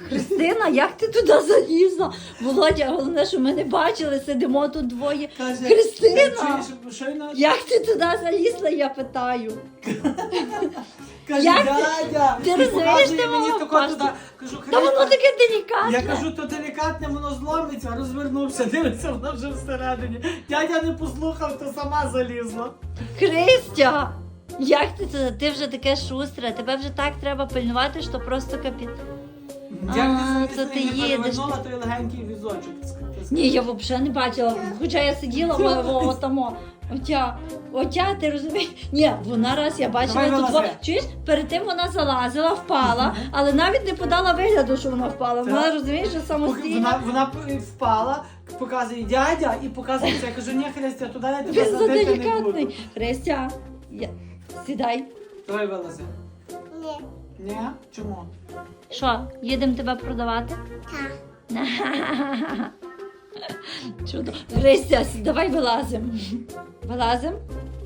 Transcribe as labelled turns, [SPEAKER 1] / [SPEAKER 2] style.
[SPEAKER 1] Христина, як ти туди залізла? Володя, головне, що ми не бачили, сидимо тут двоє.
[SPEAKER 2] Каже,
[SPEAKER 1] Христина,
[SPEAKER 2] чуєш, що вона?
[SPEAKER 1] як ти туди залізла, я питаю.
[SPEAKER 2] Каже,
[SPEAKER 1] Як
[SPEAKER 2] дядя,
[SPEAKER 1] ти
[SPEAKER 2] і
[SPEAKER 1] розумієш,
[SPEAKER 2] показує
[SPEAKER 1] ти
[SPEAKER 2] мені
[SPEAKER 1] мала
[SPEAKER 2] тако
[SPEAKER 1] впасти?
[SPEAKER 2] туди. Кажу,
[SPEAKER 1] Та воно
[SPEAKER 2] Христя,
[SPEAKER 1] таке делікатне.
[SPEAKER 2] я кажу, то делікатне, воно зломиться, розвернувся, дивиться, вона вже всередині. Дядя не послухав, то сама залізла.
[SPEAKER 1] Христя, як ти туди? Ти вже таке шустре, тебе вже так треба пильнувати, що просто капіт.
[SPEAKER 2] Як
[SPEAKER 1] то ти їдеш.
[SPEAKER 2] перевернула той легенький візочок.
[SPEAKER 1] Ні, я взагалі не бачила, хоча я сиділа отамо. Отя, ти розумієш? Ні, вона раз я бачила
[SPEAKER 2] Давай
[SPEAKER 1] тут.
[SPEAKER 2] вилази.
[SPEAKER 1] Чуєш, перед тим вона залазила, впала, але навіть не подала вигляду, що вона впала. Вона
[SPEAKER 2] Так.
[SPEAKER 1] розумієш, що самостійно.
[SPEAKER 2] Вона впала, показує дядя і показує це. Я кажу, ні, Христя, туди я тебе
[SPEAKER 1] Він
[SPEAKER 2] садити не буду.
[SPEAKER 1] заделікатний. Христя, сідай.
[SPEAKER 2] Давай вилази.
[SPEAKER 3] Ні.
[SPEAKER 2] Ні? Чому?
[SPEAKER 1] Що, їдемо тебе продавати?
[SPEAKER 3] Так.
[SPEAKER 1] Чудо. Христя, давай вилазимо. Вилазимо?